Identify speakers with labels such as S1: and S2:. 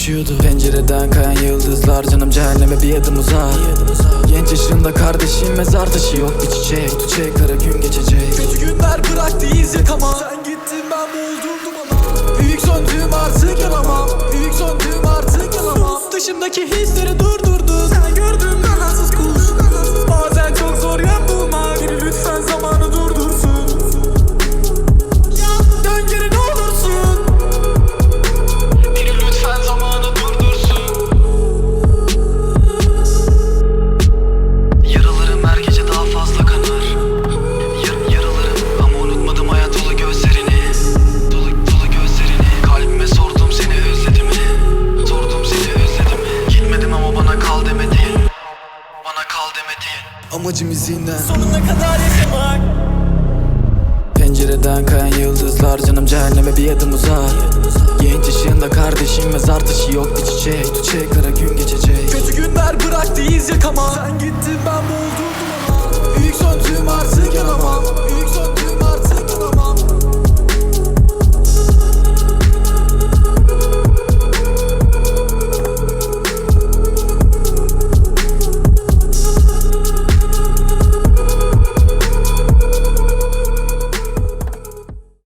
S1: düşüyordu. Pencereden kayan yıldızlar, canım cehenneme bir adım uzak. Genç yaşında kardeşim mezar taşı, yok bir çiçek. Tutacak kara gün geçecek.
S2: Kötü günler bıraktı iz yakama. Sen gittin ben boğuldum dumana. Büyük söndüğüm artık yanamam. Büyük söndüğüm artık yanamam. Dışımdaki hisleri durdurdu. Sen gördün kanatsız kuş. Bazen çok zor yön bulmak. Biri lütfen zamanı durdursun. Dön geri ne olursun. Biri lütfen zamanı durdursun.
S1: Yaralarım her gece daha fazla kanar. Yaralarım ama unutmadım hayat dolu gözlerini. Dolu gözlerini. Kalbime sordum seni özledim mi? Sordum seni özledim mi? Gitmedim ama bana kal demedin. Bana kal demedin. Amacım izinden
S2: Sonuna kadar yaşamak.
S1: Pencereden kayan yıldızlar, canım cehenneme bir adım uzak. Genç yaşında kardeşim mezar taşı, yok bir çiçek. Tutacak kara gün geçecek.
S2: Kötü günler bıraktı iz yakama. Sen gittin ben boğuldum dumana. Büyük söndüğüm artık yanamam. Büyük söndüğüm